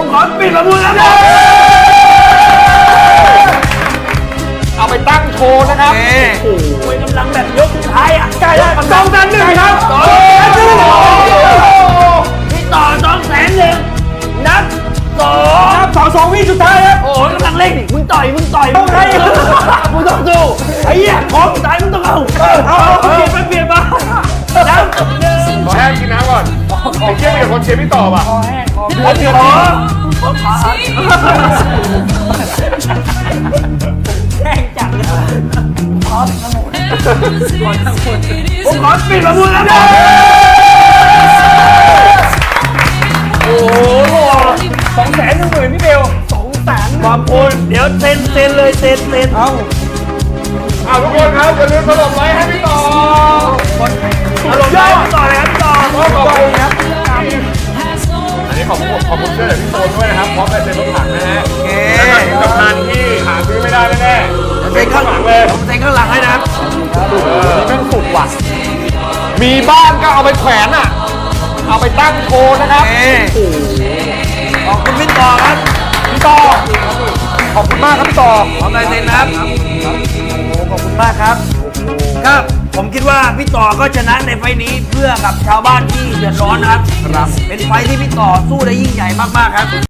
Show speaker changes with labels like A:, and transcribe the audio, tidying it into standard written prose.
A: ขอปิดประมูลแล้วครับเอาไปตั้งโชว์นะครับโอ้โหกำลังแบบยกสุดท้ายอ่ะใกล้แล้ว200,000ครับพี่ต่อ200,000นับ2วิสุดท้ายครับโอ้ยกำลังเร่งดิมึงต่อยมึงต้องให้มึงต้องสู้ไอ้เหี้ยของสุดท้ายมึงต้องเอาเปลี่ยนมาน้ำ
B: ขอแห้งกินน้ำก่อนไอ้เชี่ยมีแต่คนเชียร์พี่ต่อป่ะ
A: แห้งจัดเลยผมขอปิดประมูลแล้วครับโอ้โห210,000พี่เบล200,000ขอบคุณเดี๋ยวเซ็นเลยเซ็น
B: เอาทุกคนครับอย่าลืมถล่มไลค์ให้พี่ต่อ
A: ถล่มไลค์พี่ต่อเลยครับพี่ต่อ
B: ขอบคุณครับอันนี้ขอบคุณเสื้อจากพี่โซนด้วยนะครับพร้อมลายเซ็นรถถังนะฮะแล้วก็ที่สำคัญที่หาซื้อไม่ได้แน่ๆเซ็นข้างหลังเลย
A: ผมเซ็นข้างหลังให้นะครับ
B: นี่แม่งสุดว่ะมีบ้านก็เอาไปแขวนอ่ะเอาไปตั้งโชว์นะครับ
A: ขอบคุณพี่ต่อครับ
B: พี่ต่อขอบคุณมากครับพี่ต่อ
A: พร้อมลายเซ็นนะครับขอบคุณมากครับครับผมคิดว่าพี่ต่อก็ชนะในไฟนี้เพื่อกับชาวบ้านที่เดือดร้อนนะครับเป็นไฟที่พี่ต่อสู้ได้ยิ่งใหญ่มากๆครับ